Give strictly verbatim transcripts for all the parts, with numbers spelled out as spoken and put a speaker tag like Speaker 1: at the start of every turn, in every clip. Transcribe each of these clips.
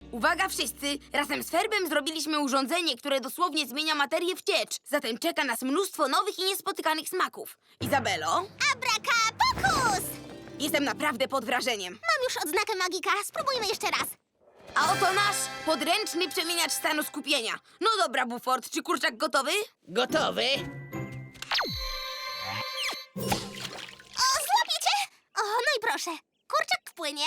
Speaker 1: Uwaga wszyscy! Razem z Ferbem zrobiliśmy urządzenie, które dosłownie zmienia materię w ciecz. Zatem czeka nas mnóstwo nowych i niespotykanych smaków. Izabelo,
Speaker 2: Abracadabra!
Speaker 1: jestem naprawdę pod wrażeniem.
Speaker 2: Mam już odznakę magika. Spróbujmy jeszcze raz.
Speaker 1: A oto nasz podręczny przemieniacz stanu skupienia. No dobra, Buford, czy kurczak gotowy?
Speaker 3: Gotowy?
Speaker 2: O, złapiecie? O, no i proszę. Kurczak wpłynie.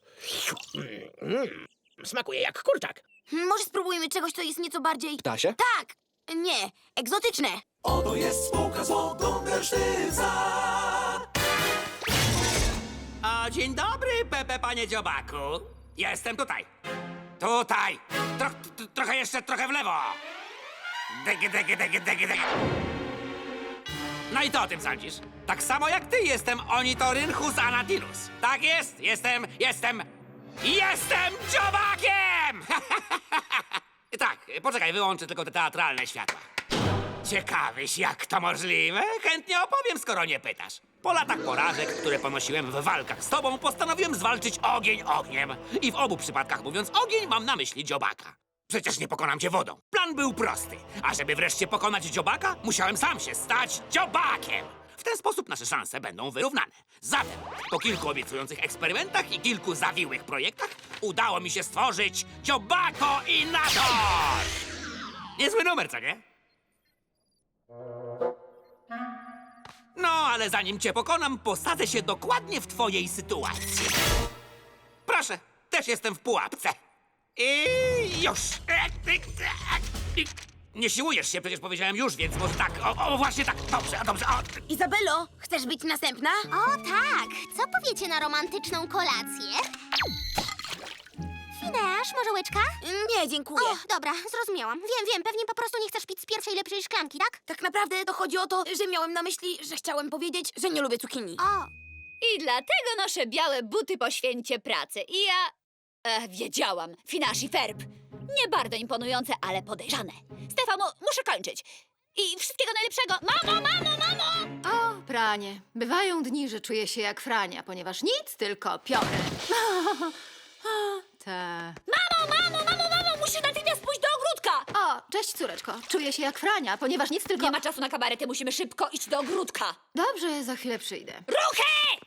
Speaker 3: Mm, smakuje jak kurczak.
Speaker 1: Hmm, Może spróbujmy czegoś, co jest nieco bardziej...
Speaker 4: Ptasie?
Speaker 1: Tak! Nie, egzotyczne.
Speaker 5: Oto jest spółka z wodą Gersztyca.
Speaker 6: O, dzień dobry, Pepe, panie dziobaku. Jestem tutaj. Tutaj. Tro, tro, trochę jeszcze, trochę w lewo. Dege, dege, dege, dege, dege. No i to o tym sądzisz? Tak samo jak ty jestem Onitorynchus anatinus. Tak jest, jestem, jestem, jestem dziobakiem! Tak, poczekaj, wyłączę tylko te teatralne światła. Ciekawyś, jak to możliwe? Chętnie opowiem, skoro nie pytasz. Po latach porażek, które ponosiłem w walkach z tobą, postanowiłem zwalczyć ogień ogniem. I w obu przypadkach, mówiąc ogień, mam na myśli dziobaka. Przecież nie pokonam cię wodą. Plan był prosty. A żeby wreszcie pokonać dziobaka, musiałem sam się stać dziobakiem. W ten sposób nasze szanse będą wyrównane. Zatem, po kilku obiecujących eksperymentach i kilku zawiłych projektach, udało mi się stworzyć Dziobako Inator! Niezły numer, co nie? No, ale zanim cię pokonam, posadzę się dokładnie w twojej sytuacji. Proszę, też jestem w pułapce. I już. Nie siłujesz się, przecież powiedziałem już, więc może tak. O, o właśnie tak. Dobrze, dobrze. O.
Speaker 1: Izabelo, chcesz być następna?
Speaker 2: O, tak. Co powiecie na romantyczną kolację? Fineasz, może łyczka?
Speaker 1: Nie, dziękuję.
Speaker 2: O, dobra, zrozumiałam. Wiem, wiem, pewnie po prostu nie chcesz pić z pierwszej lepszej szklanki, tak?
Speaker 1: Tak naprawdę to chodzi o to, że miałem na myśli, że chciałem powiedzieć, że nie lubię cukinii.
Speaker 2: O,
Speaker 7: I dlatego noszę białe buty po święcie pracy. I ja... E, wiedziałam. Finasz i Ferb. Nie bardzo imponujące, ale podejrzane. Stefano, muszę kończyć. I wszystkiego najlepszego. Mamo, mamo, mamo!
Speaker 8: O, pranie. Bywają dni, że czuję się jak Frania, ponieważ nic, tylko piorę. Ta.
Speaker 7: Mamo, mamo, mamo, mamo! Musisz natychmiast pójść do ogródka!
Speaker 8: O, cześć córeczko. Czuję się jak Frania, ponieważ nic, tylko...
Speaker 7: Nie ma czasu na kabarety, musimy szybko iść do ogródka.
Speaker 8: Dobrze, za chwilę przyjdę.
Speaker 7: Ruchy!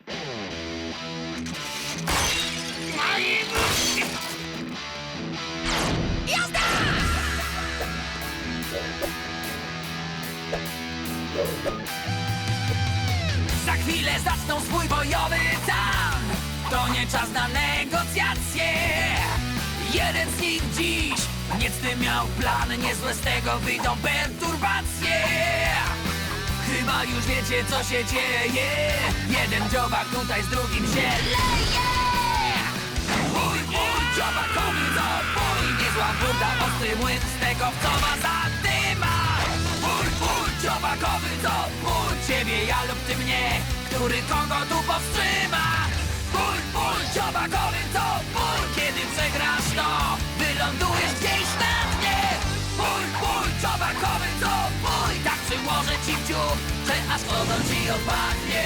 Speaker 5: Za chwilę zaczną swój bojowy tam. To nie czas na negocjacje. Jeden z nich dziś niecny miał plan. Niezłe z tego wyjdą perturbacje. Chyba już wiecie, co się dzieje. Jeden dziobak tutaj z drugim się leje. Mój, mój dziobakowy zabój. Niezła burda, ostry młyn z tego, w co ma zadyma. Mój, mój dziobakowy zabój. Ciebie ja lub ty mnie, który kogo tu powstrzyma. Mój, mój dziobakowy zabój. Kiedy przegrasz, to wylądujesz gdzieś na dnie. Mój, mój dziobakowy zabój. Tak przyłożę ci w dziób, że aż ogon ci odpadnie.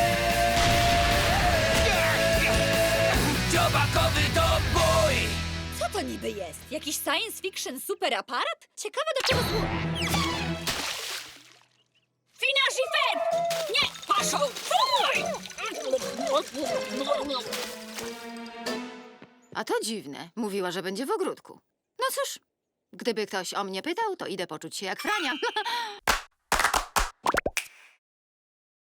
Speaker 5: Dziobakowy dobój!
Speaker 7: Co to niby jest? Jakiś science fiction super aparat? Ciekawe do czego służy. Finasz i Ferb! Nie, paszą! Fuj!
Speaker 8: A to dziwne. Mówiła, że będzie w ogródku. No cóż, gdyby ktoś o mnie pytał, to idę poczuć się jak Frania.